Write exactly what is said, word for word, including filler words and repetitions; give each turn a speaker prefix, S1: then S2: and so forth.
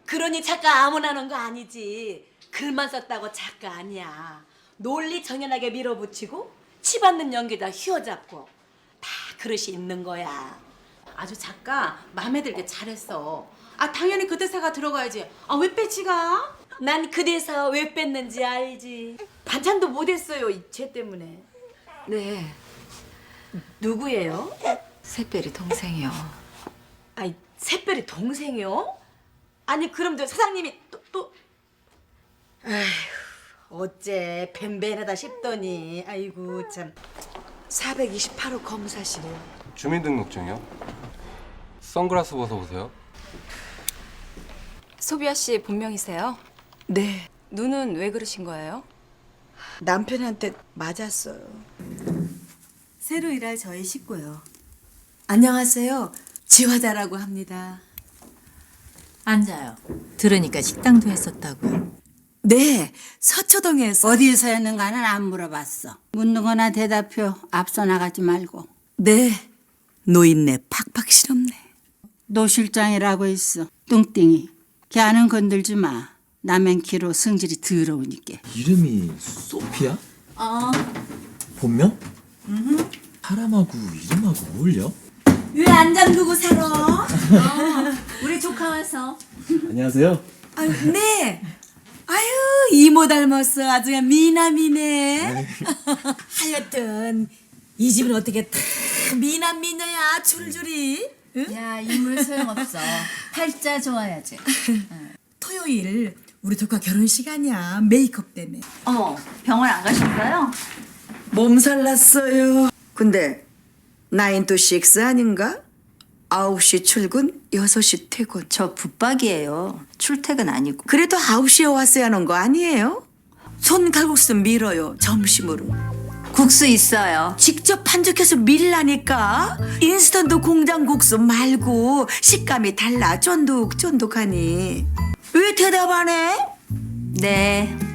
S1: 그러니 작가 아무나 하는 거 아니지. 글만 썼다고 작가 아니야. 논리 정연하게 밀어붙이고 치받는 연기다 휘어잡고 다 그릇이 있는 거야.
S2: 아주 작가 마음에 들게 잘했어. 아 당연히 그 대사가 들어가야지. 아 왜 빼지가?
S1: 난 그 대사 왜 뺐는지 알지.
S2: 반찬도 못했어요 쟤 때문에.
S1: 네. 누구예요?
S3: 새별이 동생이요.
S1: 아이, 새별이 동생이요? 아니 그럼 저 사장님이 또 또. 아휴, 어째 벤벤하다 싶더니 아이고 참. 사백이십팔 호 검사실이요.
S4: 주민등록증이요? 선글라스 벗어보세요.
S3: 소비아 씨 본명이세요?
S1: 네.
S3: 눈은 왜 그러신 거예요?
S1: 남편한테 맞았어요.
S5: 새로 일할 저희 식구요. 안녕하세요. 지화자라고 합니다.
S6: 앉아요. 들으니까 식당도 했었다고요.
S5: 네, 서초동에서.
S7: 어디에서 했는가는 안 물어봤어. 묻는 거나 대답해. 앞서 나가지 말고.
S5: 네, 노인네 팍팍 실없네.
S7: 노 실장이라고 있어. 뚱땡이. 걔는 건들지 마. 남의 키로 성질이 더러우니까.
S8: 이름이 소피야?
S5: 어,
S8: 본명? 사람하고 이름하고 어울려?
S5: 왜 안 잠그고 살아? 어, 우리 조카 와서.
S8: 안녕하세요.
S5: 아유, 네. 아유, 이모 닮았어. 아주 그냥 미남이네. 하여튼 이 집은 어떻게 다 미남 미녀야 줄줄이. 응?
S6: 야, 인물 소용없어. 팔자 좋아야지.
S5: 토요일 우리 조카 결혼 시간이야. 메이크업 때문에.
S6: 어머, 병원 안 가셨어요?
S9: 몸살 났어요. 근데 나인 투 식스 아닌가? 아홉 시 출근, 여섯 시 퇴근.
S6: 저 붙박이에요. 출퇴근 아니고.
S9: 그래도 아홉 시에 왔어야 하는 거 아니에요? 손 칼국수 밀어요, 점심으로.
S6: 국수 있어요.
S9: 직접 반죽해서 밀라니까. 인스턴트 공장 국수 말고 식감이 달라, 쫀득쫀득하니. 왜 대답 안 해?
S6: 네.